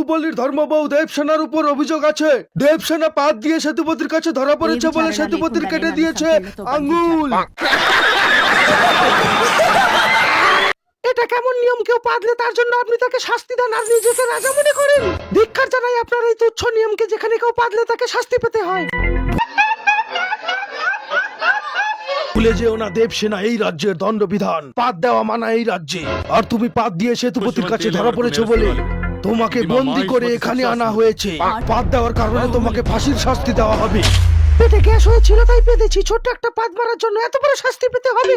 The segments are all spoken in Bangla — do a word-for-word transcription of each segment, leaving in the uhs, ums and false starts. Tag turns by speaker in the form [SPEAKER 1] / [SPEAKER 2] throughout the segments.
[SPEAKER 1] বাহুবলীর ধর্মবউ দেবসেনার উপর অভিযোগ আছে। দেবসেনা পাত দিয়ে সেতুপতির কাছে ধরা পড়েছে বলে সেতুপতির কেটে দিয়েছে আঙ্গুল। এটা কেমন নিয়ম? কেউ পাদলে তার জন্য আপনি তাকে শাস্তি দেন আর নিজেকে রাজা মনে করেন? ধিক্কার জানাই আপনার এই তুচ্ছ নিয়মকে, যেখানে কেউ পাদলে তাকে শাস্তি পেতে হয়। ভুলে যেও না, দেবসেনা এই রাজ্যের দণ্ডবিধান। পাদ দেওয়া মানা এই রাজ্যে। আর তুমি পাদ দিয়ে সেতুপতির কাছে ধরা পড়েছো বলে তোমাকে বন্দি করে এখানে আনা হয়েছে। পাদ দেওয়ার কারণে তোমাকে ফাঁসির শাস্তি দেওয়া হবে। পেটে গ্যাস হয়েছিল তাই পেতেছি। ছোট্ট একটা পাদ মারার জন্য এত বড় শাস্তি পেতে হবে?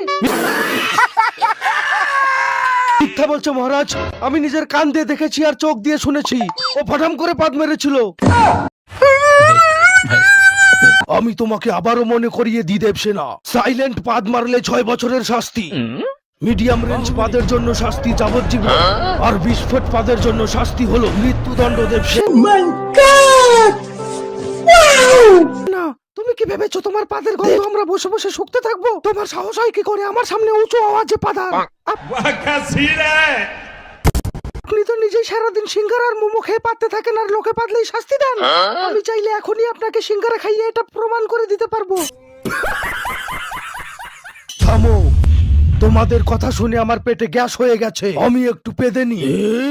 [SPEAKER 1] মিথ্যা বলছো মহারাজ, আমি নিজের কান দিয়ে দেখেছি আর চোখ দিয়ে শুনেছি। ও ফটাম করে পাদ মেরেছিল। আমি তোমাকে আবারও মনে করিয়ে দিই দেবসেনা, সাইলেন্ট পাদ মারলে ছয় বছরের শাস্তি, মিডিয়াম রেঞ্জ পাদের জন্য শাস্তি যাবজ্জীবন, আর বিস্ফোট পাদের জন্য শাস্তি হলো মৃত্যুদণ্ড। দেবসেনা, না তুমি কি ভেবেছো তোমার পাদের গন্ধ আমরা বসে বসে শুকতে থাকবো? তোমার সাহস হয় কি করে আমার সামনে উঁচু আওয়াজে পাদা? আপনি তো নিজেই সারাদিন সিঙ্গারা আর মোমো খেয়ে পাততে থাকেন আর লোকে পাতলেই শাস্তি দেন। আমি চাইলে এখনই আপনাকে সিঙ্গারা খাইয়ে এটা প্রমাণ করে দিতে পারবো। থামো, তোমাদের কথা শুনে আমার পেটে গ্যাস হয়ে গেছে, আমি একটু পেদে নি।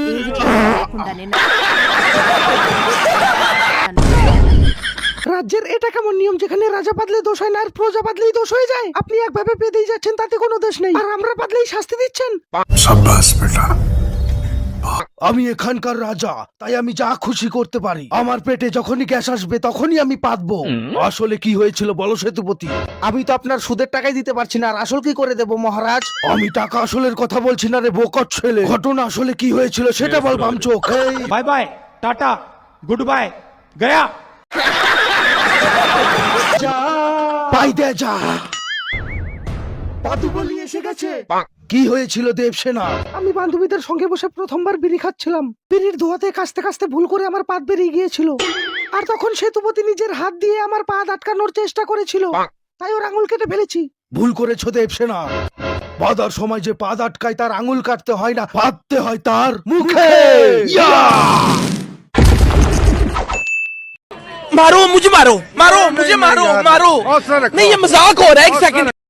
[SPEAKER 1] রাজ্যের এটা কেমন নিয়ম যেখানে রাজা পাদলে দোষ হয় না আর প্রজা পাদলেই দোষ হয়ে যায়? আপনি একভাবে পেদেই যাচ্ছেন, তাতে কোনো দোষ নেই, আর আমরা পাদলেই শাস্তি দিচ্ছেন।
[SPEAKER 2] শাবাশ বেটা।
[SPEAKER 1] আমি এখানকার রাজা, তাই আমি যা খুশি করতে পারি। আমার পেটে যখনই গ্যাস আসবে তখনই আমি পাতবো। আসলে কি হয়েছিল বলো সেতুপতি?
[SPEAKER 3] আমি তো আপনার সুদের টাকাই দিতে পারছি না, আর আসল কি করে দেব মহারাজ?
[SPEAKER 1] আমি টাকা আসলের কথা বলছি না রে বোকট ছেলে। ঘটনা আসলে কি হয়েছিল সেটা বল বামচোখ।
[SPEAKER 4] बाय बाय टाटा गुड बाय गया।
[SPEAKER 1] পাই দে যা। বাদুবলি এসে গেছে। কি হয়েছিল দেবসেনা? আমি বান্ধবীদের সঙ্গে বসে প্রথমবার বিড়ি খাচ্ছিলাম। বিড়ির ধোঁয়াতে কাস্তে কাস্তে ভুল করে আমার পাদ বেরিয়ে গিয়েছিল, আর তখন সেতুপতি নিজের হাত দিয়ে আমার পাদ আটকানোর চেষ্টা করেছিল, তাই ওর আঙুল কেটে ফেলেছি। ভুল করেছো দেবসেনা। বাদার সময় যে পাদ আটকায় তার আঙুল কাটতে হয় না, পাততে হয় তার মুখে।
[SPEAKER 5] मारो मुझे, मारो मारो मुझे, मारो मारो नहीं, ये मजाक हो रहा है। एक सेकंड।